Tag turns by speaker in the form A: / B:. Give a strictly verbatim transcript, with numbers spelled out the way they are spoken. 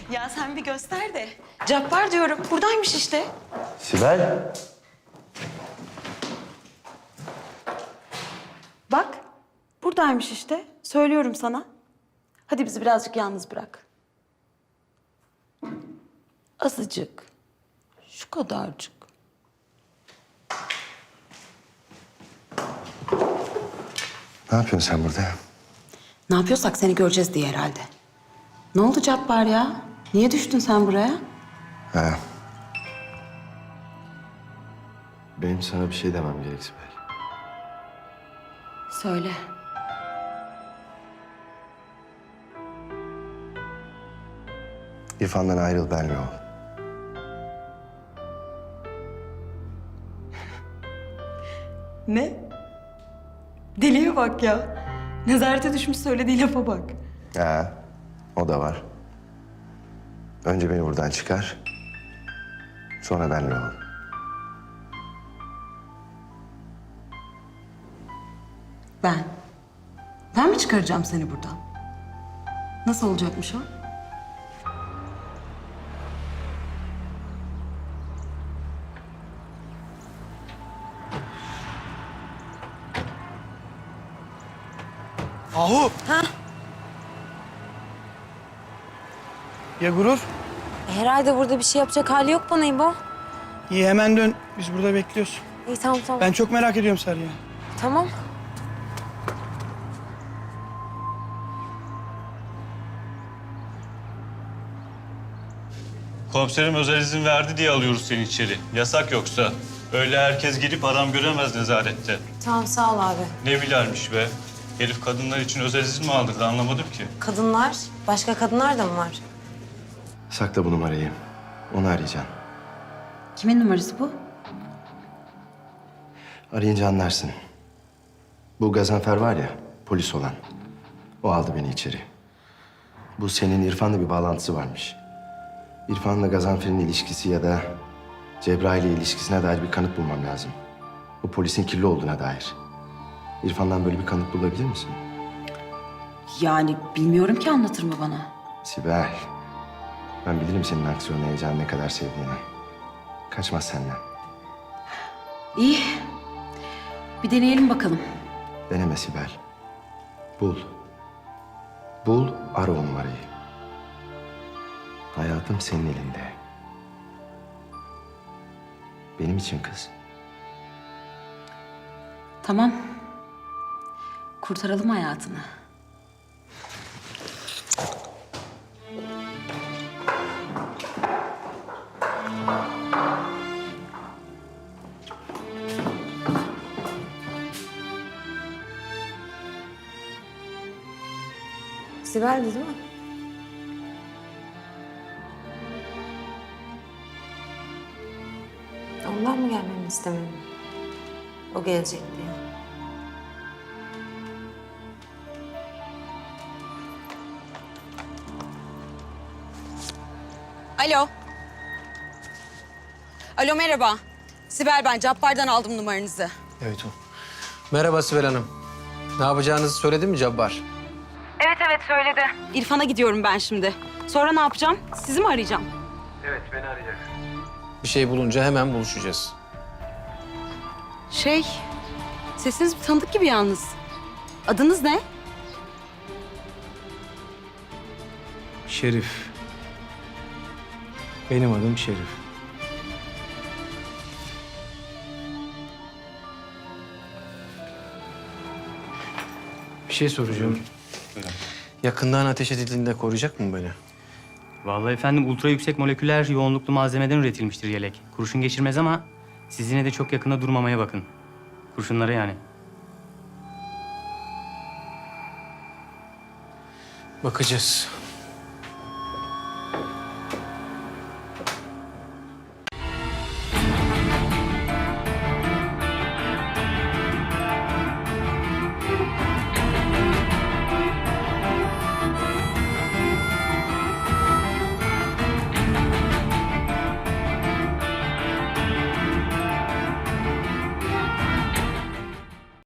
A: Ya sen bir göster de. Cabbar diyorum. Buradaymış işte.
B: Sibel.
A: Bak. Buradaymış işte. Söylüyorum sana. Hadi bizi birazcık yalnız bırak. Azıcık. Şu kadarcık.
B: Ne yapıyorsun sen burada?
A: Ne yapıyorsak seni göreceğiz diye herhalde. Ne oldu Cabbar ya? Niye düştün sen buraya?
B: Ha. Benim sana bir şey demem gerek Sibel.
A: Söyle.
B: İrfan'dan ayrıl benle ol.
A: Ne? Deliye bak ya. Nezarete düşmüş söylediği lafa bak.
B: Ha, o da var. Önce beni buradan çıkar. Sonra benle ol.
A: Ben. Ben mi çıkaracağım seni buradan? Nasıl olacakmış o?
C: Ahu.
A: Ha?
C: Ya Gurur?
D: Herhalde burada bir şey yapacak hali yok bana İbo.
C: İyi hemen dön. Biz burada bekliyoruz.
D: İyi tamam tamam.
C: Ben çok merak ediyorum Sarı'yı.
D: Tamam.
E: Komiserim özel izin verdi diye alıyoruz seni içeri. Yasak yoksa. Öyle herkes girip adam göremez nezarette.
D: Tamam sağ ol abi.
E: Ne bilermiş be? Herif kadınlar için özel izin mi aldırdı anlamadım ki.
D: Kadınlar, başka kadınlar da mı var?
B: Sakla bu numarayı. Onu arayacaksın.
A: Kimin numarası bu?
B: Arayınca anlarsın. Bu Gazanfer var ya, polis olan. O aldı beni içeri. Bu senin İrfan'la bir bağlantısı varmış. İrfan'la Gazanfer'in ilişkisi ya da Cebrail'le ilişkisine dair bir kanıt bulmam lazım. Bu polisin kirli olduğuna dair. İrfan'dan böyle bir kanıt bulabilir misin?
A: Yani bilmiyorum ki, anlatır mı bana?
B: Sibel, ben bilirim senin aksiyon heyecanı ne kadar sevdiğini. Kaçmaz senden.
A: İyi. Bir deneyelim bakalım.
B: Deneme Sibel. Bul. Bul, ara o numarayı. Hayatım senin elinde. Benim için kız.
A: Tamam. Kurtaralım hayatını.
D: Sibel'di değil mi? Ondan mı gelmemi istemedin? O gelecek diye.
F: Alo. Alo merhaba. Sibel ben. Cabbar'dan aldım numaranızı.
G: Evet o. Merhaba Sibel Hanım. Ne yapacağınızı söyledi mi Cabbar?
F: Evet evet söyledi. İrfan'a gidiyorum ben şimdi. Sonra ne yapacağım? Sizi mi arayacağım?
G: Bir şey bulunca hemen buluşacağız.
F: Şey, sesiniz bir tanıdık gibi yalnız. Adınız ne?
G: Şerif. Benim adım Şerif. Bir şey soracağım. Yakından ateş edildiğinde koruyacak mı beni?
H: Vallahi efendim ultra yüksek moleküler yoğunluklu malzemeden üretilmiştir yelek. Kurşun geçirmez ama siz yine de çok yakında durmamaya bakın. Kurşunlara yani.
G: Bakacağız.